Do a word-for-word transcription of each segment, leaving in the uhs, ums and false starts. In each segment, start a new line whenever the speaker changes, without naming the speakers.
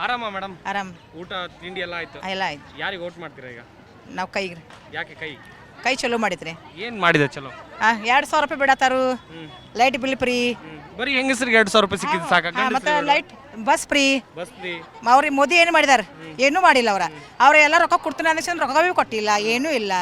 ಆರಾಮ ಮೇಡಮ್?
ಆರಾಮ್.
ಊಟ ತಿಂಡಿ ಎಲ್ಲ ಆಯ್ತು?
ಎಲ್ಲ ಆಯ್ತು.
ಯಾರಿಗೆ ವೋಟ್ ಮಾಡ್ತೀರಾ ಈಗ?
ನಾವು ಕೈಗೆ
ಯಾಕೆ ಕೈ?
ಕೈ ಚಲೋ ಮಾಡಿದ್ರಿ.
ಏನ್ ಮಾಡಿದೆ ಚಲೋ?
ಹಾಂ ಎರಡು ಸಾವಿರ ರೂಪಾಯಿ ಬಿಡತ್ತಾರು, ಲೈಟ್ ಬಿಲ್ ಫ್ರೀ.
ಬರೀ ಹೆಂಗಸರಿಗೆ ಎರಡು ಸಾವಿರ ರೂಪಾಯಿ ಸಿಕ್ಕಿದ್ ಸಾಕ?
ಮತ್ತು light bus free.
Bus free.
ಅವ್ರಿಗೆ ಮೋದಿ ಏನು ಮಾಡಿದಾರೆ? ಏನೂ ಮಾಡಿಲ್ಲ ಅವ್ರ. ಅವ್ರ ಎಲ್ಲ ರೊಕ್ಕ ಕೊಡ್ತೀನಿ ಅಂದ್ರೆ ರೊಕ್ಕ ಭೀ ಕೊಟ್ಟಿಲ್ಲ, ಏನೂ ಇಲ್ಲ,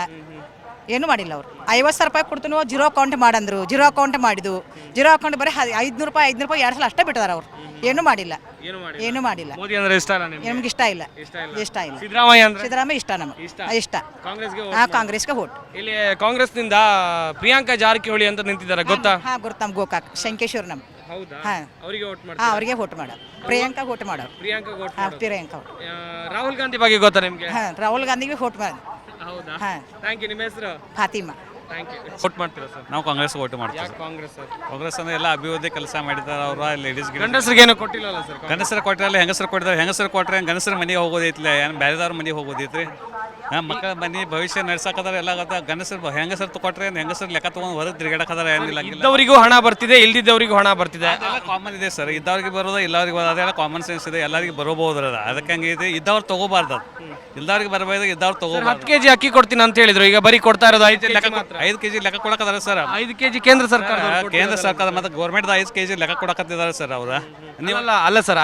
ಏನೂ ಮಾಡಿಲ್ಲ ಅವ್ರು. ಐವತ್ತು ಸಾವಿರ ರೂಪಾಯಿ ಕೊಡ್ತೀನಿ ಜೀರೋ ಅಕೌಂಟ್ ಮಾಡಂದ್ರು, ಜೀರೋ ಅಕೌಂಟ್ ಮಾಡಿದ್ದು. ಜೀರೋ ಅಕೌಂಟ್ ಬರೀ ಐದುನೂರು ರೂಪಾಯಿ ಐದುನೂರು ರೂಪಾಯಿ ಎರಡು ಸಲ ಅಷ್ಟೇ ಬಿಟ್ಟಿದಾರೆ ಅವ್ರು. ಏನೂ ಮಾಡಿಲ್ಲ, ಏನೂ ಮಾಡಿಲ್ಲ.
ಮೋದಿ ಅಂದ್ರೆ ಇಷ್ಟ ಅಲ್ಲ ನಿಮ್ಗೆ?
ನಮ್ಗೆ ಇಷ್ಟ ಇಲ್ಲ, ಇಷ್ಟ ಇಲ್ಲ.
ಸಿದ್ದರಾಮಯ್ಯ ಅಂದ್ರೆ
ಸಿದ್ದರಾಮಯ್ಯ ಇಷ್ಟ ನಮಗೆ, ಇಷ್ಟ.
ಕಾಂಗ್ರೆಸ್ಗೆ
ಹಾಂ, ಕಾಂಗ್ರೆಸ್ಗೆ ವೋಟ್.
ಇಲ್ಲಿ ಕಾಂಗ್ರೆಸ್ನಿಂದ ಪ್ರಿಯಾಂಕಾ ಜಾರಕಿಹೊಳಿ ಅಂತ ನಿಂತಿದ್ದಾರೆ, ಗೊತ್ತಾ?
ಹಾಂ, ಗೊತ್ತು. ನಮ್ಗೆ ಗೋಕಾಕ್ ಶಂಕೇಶ್ವರ್ ನಮ್.
ಹೌದಾ?
ಹಾಂ,
ಅವರಿಗೆ ವೋಟ್ ಮಾಡಿ.
ಹಾಂ, ಅವ್ರಿಗೆ ವೋಟ್ ಮಾಡೋರು. ಪ್ರಿಯಾಂಕಾ ವೋಟ್ ಮಾಡೋರು.
ಪ್ರಿಯಾಂಕಾ ವೋಟ್
ಹಾಂ, ಪ್ರಿಯಾಂಕಾ.
ರಾಹುಲ್ ಗಾಂಧಿ ಬಗ್ಗೆ ಗೊತ್ತಾ ನಿಮ್ಗೆ?
ಹಾಂ, ರಾಹುಲ್ ಗಾಂಧಿಗೆ ವೋಟ್ ಮಾಡಿ.
ಹೌದಾ?
ಹಾಂ.
Thank you. ನಿಮ್ಮ ಹೆಸರು?
ಫಾತಿಮಾ.
Thank you. ವೋಟ್ ಮಾಡ್ತೀರಾ ಸರ್?
ನಾವು ಕಾಂಗ್ರೆಸ್ ವೋಟ್ ಮಾಡ್ತೀವಿ.
ಯಾಕೆ ಕಾಂಗ್ರೆಸ್ ಸರ್?
ಕಾಂಗ್ರೆಸ್ ಅಂದ್ರೆ ಎಲ್ಲ ಅಭಿವೃದ್ಧಿ ಕೆಲಸ ಮಾಡಿದ್ದಾರೆ ಅವರು. ಲೇಡೀಸ್
ಗಂಡಸರಿಗೆ ಏನು ಕೊಟ್ಟಿಲ್ಲಲ್ಲ ಸರ್?
ಗಂಡಸರು ಕೊಟ್ಟರಲ್ಲ, ಹೆಂಗಸರು ಕೊಟ್ಟಿದ್ದಾರೆ. ಹೆಂಗಸರು ಕೊಟ್ಟರೆ ಗಂಡಸರ ಮನೆಗೆ ಹೋಗೋದೈತಿಲ್ಲ, ಏನು ಬೇರೆದವ್ರ ಮನೆಗೆ ಹೋಗೋದೈತ್ರಿ. ಹಾಂ, ಮಕ್ಕಳ ಮನೆ ಭವಿಷ್ಯ ನಡ್ಸಕದಾರ ಎಲ್ಲ ಆಗತ್ತ. ಗಂಡಸರು ಹೆಂಗಸರು ಕೊಟ್ಟರೆ ಹೆಂಗಸರು ಲೆಕ್ಕ ತೊಗೊಂಡು ಹೊರಗೆ ತಿರುಗಾಡಕದಾರ. ಏನಿಲ್ಲ,
ಇದ್ದವರಿಗೂ ಹಣ ಬರ್ತಿದೆ, ಇಲ್ದಿದ್ದವರಿಗೂ ಹಣ ಬರ್ತಿದೆ.
ಅದೆಲ್ಲ ಕಾಮನ್ ಇದೆ ಸರ್. ಇದ್ದವ್ರಿಗೆ ಬರೋದು, ಇಲ್ಲವ್ರಿಗೆ ಬರೋದು, ಅದೆಲ್ಲ ಕಾಮನ್ ಸೆನ್ಸ್ ಇದೆ. ಎಲ್ಲರಿಗೆ ಬರೋಬಹುದು ಅದ. ಅದಕ್ಕೆ ಹಂಗಿದೆ. ಇದ್ದವ್ರು ತಗೋಬಾರ್ದು, ಅದು ಇಲ್ದವ್ರಿಗೆ ಬರಬಹುದು, ಇದ್ದವ್ರು ತಗೋಬಾರ್ದು.
ಹತ್ತು ಕೆಜಿ ಅಕ್ಕಿ ಕೊಡ್ತೀನಿ ಅಂತ ಹೇಳಿದ್ರು, ಈಗ ಬರೀ ಕೊಡ್ತಾ ಇರೋದು ಐದು ಲೆಕ್ಕ.
ಐದು ಕೆಜಿ ಲೆಕ್ಕ ಕೊಡಕದಾರ ಸರ್.
ಐದು ಕೆಜಿ ಕೇಂದ್ರ ಸರ್ಕಾರ
ಕೇಂದ್ರ ಸರ್ಕಾರ ಮತ್ತೆ ಗೌರ್ಮೆಂಟ್ ಐದು ಕೆಜಿ ಲೆಕ್ಕ ಕೊಡಕತ್ತಿದ್ದಾರೆ ಸರ್ ಅವ್ರ.
ನೀವಲ್ಲ ಅಲ್ಲ ಸರ್,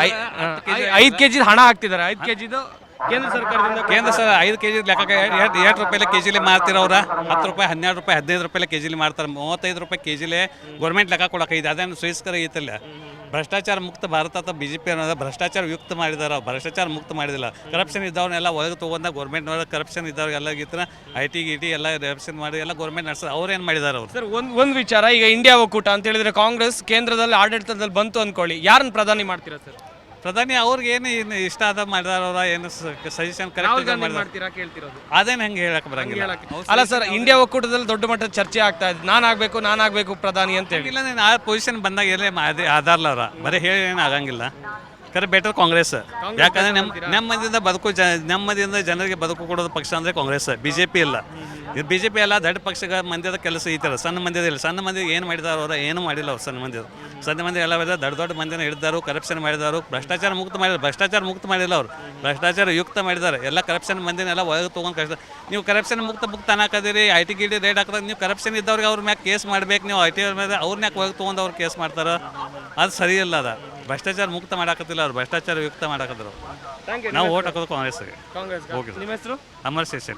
ಐದು ಕೆಜಿ ಹಣ ಹಾಕ್ತಿದ್ದಾರೆ. ಐದು ಕೆಜಿದು ಕೇಂದ್ರ ಸರ್ಕಾರದಿಂದ.
ಕೇಂದ್ರ ಸರ್ ಐದು ಕೆಜಿ ಲೆಕ್ಕ ಎರಡು ಎರಡು ರೂಪಾಯಿ ಕೆಜಿಲಿ ಮಾರ್ತಿರ ಅವ್ರ. ಹತ್ತು ರೂಪಾಯಿ, ಹನ್ನೆರಡು ರೂಪಾಯಿ, ಹದಿನೈದು ರೂಪಾಯಿ ಕೆಜಿಲಿ ಮಾರ್ತಾರೆ. ಮೂವತ್ತೈದು ರೂಪಾಯಿ ಕೆಜಿಲಿ ಗೌರ್ಮೆಂಟ್ ಲೆಕ್ಕ ಕೊಡಕೈತೆ. ಅದೇನು ಶ್ರೇಷ್ಕರ ಐತಲ್ಲ. ಭ್ರಷ್ಟಾಚಾರ ಮುಕ್ತ ಭಾರತ ಅಂತ ಬಿ ಜೆ ಪಿ ಅನ್ನೋದು ಭ್ರಷ್ಟಾಚಾರ ಯುಕ್ತ ಮಾಡಿದಾರೆ. ಭ್ರಷ್ಟಾಚಾರ ಮುಕ್ತ ಮಾಡಿದಿಲ್ಲ. ಕರಪ್ಷನ್ ಇದ್ದವ್ರನ್ನೆಲ್ಲ ಒಳಗೆ ತೊಗೊಂಡ ಗೌರ್ಮೆಂಟ್ನವ್ರ ಕರಪ್ಷನ್ ಇದ್ದವ್ರಿಗೆಲ್ಲ ಗೀತರ ಐ ಟಿ ಗಿ ಟಿ ಎಲ್ಲ ಕರಪ್ಷನ್ ಮಾಡಿ ಎಲ್ಲ ಗೌರ್ಮೆಂಟ್ ನಡೆಸೋದು. ಅವ್ರು ಏನು ಮಾಡಿದಾರೆ ಅವ್ರು?
ಸರ್, ಒಂದು ಒಂದು ವಿಚಾರ, ಈಗ ಇಂಡಿಯಾ ಒಕ್ಕೂಟ ಅಂತ ಹೇಳಿದ್ರೆ ಕಾಂಗ್ರೆಸ್ ಕೇಂದ್ರದಲ್ಲಿ ಆಡಳಿತದಲ್ಲಿ ಬಂತು ಅಂದ್ಕೊಳ್ಳಿ, ಯಾರನ್ನ ಪ್ರಧಾನಿ ಮಾಡ್ತೀರಾ ಸರ್?
ಪ್ರಧಾನಿ ಅವ್ರಿಗೆ ಏನು ಇಷ್ಟ ಆದ ಮಾಡಿದಾರ ಅವ್ರ, ಏನು ಸಜೆಷನ್ ಕರೆಕ್ಟ್
ಮಾಡ್ತೀರಾ ಕೇಳ್ತಿರೋದು?
ಅದೇನು ಹೆಂಗೆ ಹೇಳಕ್ ಬರಂಗಿಲ್ಲ.
ಅಲ್ಲ ಸರ್, ಇಂಡಿಯಾ ಒಕ್ಕೂಟದಲ್ಲಿ ದೊಡ್ಡ ಮಟ್ಟದ ಚರ್ಚೆ ಆಗ್ತಾ ಇದೆ, ನಾನು ಆಗ್ಬೇಕು ನಾನು ಆಗ್ಬೇಕು ಪ್ರಧಾನಿ ಅಂತ ಹೇಳಿ.
ಇಲ್ಲ, ನೀನು ಆ ಪೊಸಿಷನ್ ಬಂದಾಗ ಎಲ್ಲೇ ಆಧಾರಲ್ಲ ಅವ್ರ. ಬರೀ ಹೇಳಿ ಏನು ಆಗಂಗಿಲ್ಲ. ಕರೆ ಬೆಟರ್ ಕಾಂಗ್ರೆಸ್. ಯಾಕಂದ್ರೆ ನಮ್ಮ ನೆಮ್ಮದಿಯಿಂದ ಬದುಕು ಜ ನೆಮ್ಮದಿಯಿಂದ ಜನರಿಗೆ ಬದುಕು ಕೊಡೋದು ಪಕ್ಷ ಅಂದರೆ ಕಾಂಗ್ರೆಸ್, ಬಿ ಜೆ ಪಿ ಇಲ್ಲ. ಇದು ಬಿ ಜೆ ಪಿ ಎಲ್ಲ ದೊಡ್ಡ ಪಕ್ಷಗಳ ಮಂದಿದ ಕೆಲಸ ಈ ಥರ. ಸಣ್ಣ ಮಂದಿದ ಇಲ್ಲ. ಸಣ್ಣ ಮಂದಿ ಏನು ಮಾಡಿದಾರ ಅವರ? ಏನು ಮಾಡಿಲ್ಲ ಅವ್ರು. ಸಣ್ಣ ಮಂದಿ ಸಣ್ಣ ಮಂದಿ ಎಲ್ಲ ದೊಡ್ಡ ದೊಡ್ಡ ಮಂದಿನ ಹಿಡಿದಾರು, ಕರಪ್ಷನ್ ಮಾಡಿದಾರು, ಭ್ರಷ್ಟಾಚಾರ ಮುಕ್ತ ಮಾಡಿದ್ರು. ಭ್ರಷ್ಟಾಚಾರ ಮುಕ್ತ ಮಾಡಿಲ್ಲ ಅವರು, ಭ್ರಷ್ಟಾಚಾರ ಯುಕ್ತ ಮಾಡಿದ್ದಾರೆ. ಎಲ್ಲ ಕರಪ್ಷನ್ ಮಂದಿನೆಲ್ಲ ಒಳಗೆ ತೊಗೊಂಡು ಕಷ್ಟ. ನೀವು ಕರಪ್ಷನ್ ಮುಕ್ತ ಮುಕ್ತ ಅನ್ನಕದಿರಿ, I T G T rate ಹಾಕಿದಾಗ ನೀವು ಕರಪ್ಷನ್ ಇದ್ದವ್ರಿಗೆ ಅವ್ರ ಮ್ಯಾಗ ಕೇಸ್ ಮಾಡ್ಬೇಕು. ನೀವು ಐ ಟಿ ಅವ್ರ ಮೇಲೆ ಅವ್ರನ್ನ ಯಾಕೆ ಒಳಗೆ ತೊಗೊಂಡು ಅವ್ರು ಕೇಸ್ ಮಾಡ್ತಾರೆ? ಅದು ಸರಿ ಇಲ್ಲ. ಅದ ಭ್ರಷ್ಟಾಚಾರ ಮುಕ್ತ ಮಾಡಾಕತ್ತಿಲ್ಲ ಅವ್ರು, ಭ್ರಷ್ಟಾಚಾರ ಯುಕ್ತ ಮಾಡಾಕತ್ತಾರೆ. ನಾವು ಓಟ್ ಹಾಕೋದು ಕಾಂಗ್ರೆಸ್ಗೆ.
ಕಾಂಗ್ರೆಸ್. ನಿಮ್ಮ ಹೆಸರು?
ಅಮರ್ ಶೇಷನ್.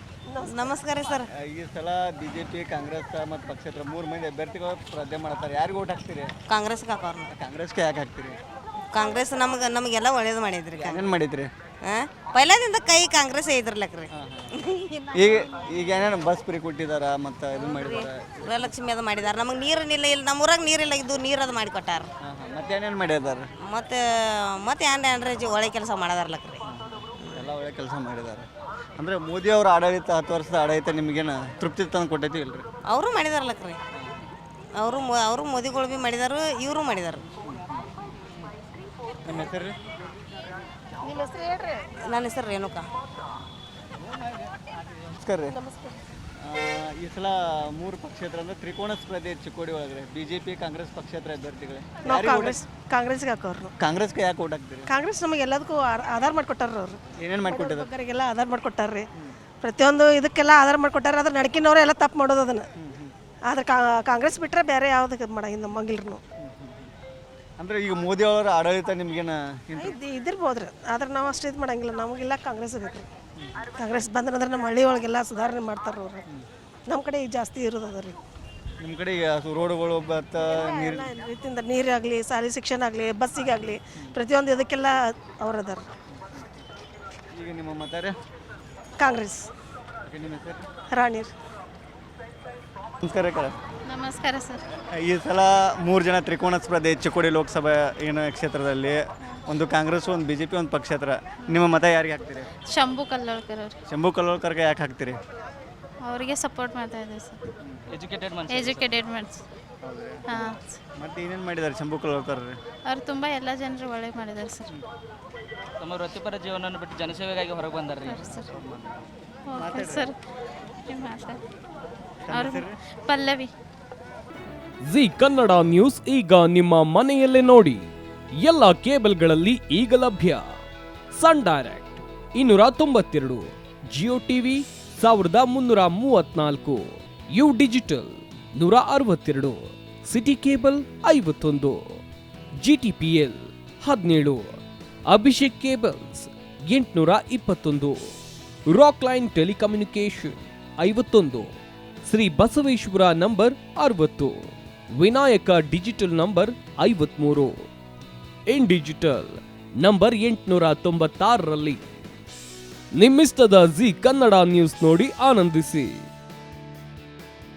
ನಮಸ್ಕಾರ ಸರ್.
ಈ ಸಲ ಬಿ ಜೆ ಪಿ, ಕಾಂಗ್ರೆಸ್ ಮತ್ತು ಪಕ್ಷೇತರ ಮೂರು ಮಂದಿ ಅಭ್ಯರ್ಥಿಗಳು ಸ್ಪರ್ಧೆ ಮಾಡ್ತಾರೆ. ಯಾರಿಗೆ ಓಟ್ ಹಾಕ್ತೀರಿ?
ಕಾಂಗ್ರೆಸ್ಗೆ ಹಾಕೋರು.
ಕಾಂಗ್ರೆಸ್ಗೆ ಯಾಕೆ ಹಾಕ್ತೀರಿ?
ಕಾಂಗ್ರೆಸ್ ನಮ್ಗೆ ನಮಗೆಲ್ಲ ಒಳ್ಳೇದು ಮಾಡಿದ್ರಿ.
ಏನು ಮಾಡಿದ್ರಿ?
ಹಾಂ, ಪೈಲದಿಂದ ಕೈ ಕಾಂಗ್ರೆಸ್ ಐದ್ರಲ್ಲಕ್ರಿ.
ಈಗ ಈಗ ಏನೇನು ಬಸ್ ಫ್ರೀ ಕೊಟ್ಟಿದಾರ ಮತ್ತು ಇದು ಮಾಡಿದಾರೆ,
ಗೃಹಲಕ್ಷ್ಮಿ ಅದು ಮಾಡಿದಾರೆ. ನಮಗೆ ನೀರಿನಿಲ್ಲ, ಇಲ್ಲಿ ನಮ್ಮ ಊರಾಗ ನೀರಿಲ್ಲ, ಇದು ನೀರು ಅದು ಮಾಡಿ ಕೊಟ್ಟಾರ.
ಮತ್ತೆ ಏನೇನು ಮಾಡಿದಾರೆ?
ಮತ್ತು ಮತ್ತೆ ಏನ್ರಿ ಏನ್ರಿ ಒಳ್ಳೆ ಕೆಲಸ ಮಾಡದಾರ್ಲಕ್ರಿ.
ಎಲ್ಲ ಒಳ್ಳೆ ಕೆಲಸ ಮಾಡಿದ್ದಾರೆ. ಅಂದರೆ ಮೋದಿ ಅವ್ರ ಆಡಳಿತ, ಹತ್ತು ವರ್ಷದ ಆಡಳಿತ ನಿಮಗೇನು ತೃಪ್ತಿ ತಂದು ಕೊಟ್ಟೈತಿ ಇಲ್ರಿ?
ಅವರು ಮಾಡಿದಾರ್ಲಕ್ರಿ. ಅವರು ಅವರು ಮೋದಿಗಳು ಭೀ ಮಾಡಿದಾರು, ಇವರು ಮಾಡಿದಾರು.
ನಿಮ್ಮ ಹೆಸರು ರೀ?
ನನ್ನ ಹೆಸರು ರೇಣುಕಾ.
ನಮಸ್ಕಾರ ರೀ. ಈ ಸಲ ಮೂರು ಪಕ್ಷೇತರ ಅಂದರೆ ತ್ರಿಕೋಣ ಸ್ಪರ್ಧೆ ಚಿಕ್ಕೋಡಿ ಒಳಗೆ ಬಿ ಜೆ ಪಿ, ಕಾಂಗ್ರೆಸ್ ಪಕ್ಷೇತರ ಅಭ್ಯರ್ಥಿಗಳೇ.
ನಾವು ಕಾಂಗ್ರೆಸ್ ಕಾಂಗ್ರೆಸ್ಗೆ ಹಾಕೋರು.
ಕಾಂಗ್ರೆಸ್ಗೆ ಯಾಕೆ ಓಟ್ ಹಾಕ್ತೀರಿ?
ಕಾಂಗ್ರೆಸ್ ನಮಗೆ ಎಲ್ಲದಕ್ಕೂ ಆಧಾರ ಮಾಡಿಕೊಟ್ಟಾರ ಅವರು.
ಏನೇನು ಮಾಡಿಕೊಟ್ಟಿದ್ದಾರೆ?
ಒಬ್ಬರಿಗೆಲ್ಲ ಆಧಾರ ಮಾಡಿಕೊಟ್ಟಾರ್ರಿ. ಪ್ರತಿಯೊಂದು ಇದಕ್ಕೆಲ್ಲ ಆಧಾರ ಮಾಡಿಕೊಟ್ಟಾರ. ಅದ್ರ ನಡಕಿನವ್ರು ಎಲ್ಲ ತಪ್ಪು ಮಾಡೋದು ಅದನ್ನು. ಆದ್ರೆ ಕಾಂಗ್ರೆಸ್ ಬಿಟ್ಟರೆ ಬೇರೆ ಯಾವುದಕ್ಕೆ ಮಾಡಂಗಿಲ್ಲ ನಮಗಿಲ್ರು.
ಅಂದರೆ ಈಗ ಮೋದಿ ಅವರ ಆಡಳಿತ ನಿಮಗೇನು
ಇದಿರ್ಬೋದ್ರಿ, ಆದ್ರೆ ನಾವು ಅಷ್ಟು ಇದು ಮಾಡಂಗಿಲ್ಲ. ನಮಗೆಲ್ಲ ಕಾಂಗ್ರೆಸ್ ಬೇಕು. ಕಾಂಗ್ರೆಸ್ ಬಂದ್ರೆ ನಮ್ಮ ಹಳ್ಳಿ ಒಳಗೆಲ್ಲ ಸುಧಾರಣೆ ಮಾಡ್ತಾರೆ ಅವರು. ನಮ್ಮ ಕಡೆ ಈಗ ಜಾಸ್ತಿ ಇರೋದು ಅದ ರೀ.
ನಿಮ್ಮ ಕಡೆ ಈಗ ರೋಡುಗಳು ಮತ್ತು ನೀರು
ರೀತಿಯಿಂದ ನೀರಾಗಲಿ, ಶಾಲೆ ಶಿಕ್ಷಣ ಆಗಲಿ, ಬಸ್ಸಿಗಾಗಲಿ, ಪ್ರತಿಯೊಂದು ಇದಕ್ಕೆಲ್ಲ ಅವ್ರು ಅದಾರ.
ಈಗ ನಿಮ್ಮ ಮತ ರೀ?
ಕಾಂಗ್ರೆಸ್.
ನಿಮ್ಮ ಹೆಸರು?
ರಾಣಿರ್.
ನಮಸ್ಕಾರ ಕರ.
ನಮಸ್ಕಾರ ಸರ್.
ಈ ಸಲ ಮೂರು ಜನ ತ್ರಿಕೋಣ ಸ್ಪರ್ಧೆ ಚಿಕ್ಕೋಡಿ ಲೋಕಸಭಾ ಏನು ಕ್ಷೇತ್ರದಲ್ಲಿ, ಒಂದು ಕಾಂಗ್ರೆಸ್, ಒಂದು ಬಿ ಜೆ ಪಿ, ಒಂದು ಪಕ್ಷೇತರ. ನಿಮ್ಮ ಮತ ಯಾರಿಗೆ ಹಾಕ್ತೀರಿ?
ಶಂಭು ಕಲ್ಲೋಳ್ಕರ್ ಅವ್ರು.
ಶಂಭು ಕಲ್ಲೋಳ್ಕರ್ಗೆ ಯಾಕೆ ಹಾಕ್ತೀರಿ?
ಅವರಿಗೆ ಸಪೋರ್ಟ್ ಮಾಡ್ತಾ ಇದ್ದೀವಿ ಸರ್. ಎಜುಕೇಟೆಡ್ ಎಜುಕೇಟೆಡ್ ಮನ್ಸ್. ಹಾಂ.
ಮತ್ತೆ ಏನೇನು ಮಾಡಿದ್ದಾರೆ ಶಂಭು ಕಲ್ಲೋಳ್ಕರ್?
ಅವ್ರು ತುಂಬ ಎಲ್ಲ ಜನರು ಒಳ್ಳೆ ಮಾಡಿದ್ದಾರೆ ಸರ್.
ತಮ್ಮ ವೃತ್ತಿಪರ ಜೀವನವನ್ನು ಬಿಟ್ಟು ಜನಸೇವೆಗಾಗಿ ಹೊರಗೆ ಬಂದಾರ್ರಿ
ಸರ್. Okay sir. ಅವರು ಪಲ್ಲವಿ.
ಜಿ ಕನ್ನಡ ನ್ಯೂಸ್ ಈಗ ನಿಮ್ಮ ಮನೆಯಲ್ಲೇ ನೋಡಿ. ಎಲ್ಲ ಕೇಬಲ್ಗಳಲ್ಲಿ ಈಗ ಲಭ್ಯ. ಸನ್ ಡೈರೆಕ್ಟ್ ಇನ್ನೂರ ತೊಂಬತ್ತೆರಡು, ಜಿಯೋ ಟಿವಿ ಸಾವಿರದ ಮುನ್ನೂರ ಮೂವತ್ನಾಲ್ಕು, ಯು ಡಿಜಿಟಲ್ ನೂರ ಅರವತ್ತೆರಡು, ಸಿಟಿ ಕೇಬಲ್ ಐವತ್ತೊಂದು, ಜಿಟಿಪಿಎಲ್ ಹದಿನೇಳು, ಅಭಿಷೇಕ್ ಕೇಬಲ್ಸ್ ಎಂಟುನೂರ ಇಪ್ಪತ್ತೊಂದು, ರಾಕ್ ಲೈನ್ ಟೆಲಿಕಮ್ಯುನಿಕೇಶನ್ ಐವತ್ತೊಂದು, ಶ್ರೀ ಬಸವೇಶ್ವರ ನಂಬರ್ ಅರವತ್ತು, ವಿನಾಯಕ ಡಿಜಿಟಲ್ ನಂಬರ್ ಐವತ್ಮೂರು, ಇನ್ ಡಿಜಿಟಲ್ ನಂಬರ್ ಎಂಟುನೂರ ತೊಂಬತ್ತಾರರಲ್ಲಿ. ನಿಮ್ಮಿಸ್ತದ ಜಿ ಕನ್ನಡ ನ್ಯೂಸ್ ನೋಡಿ ಆನಂದಿಸಿ.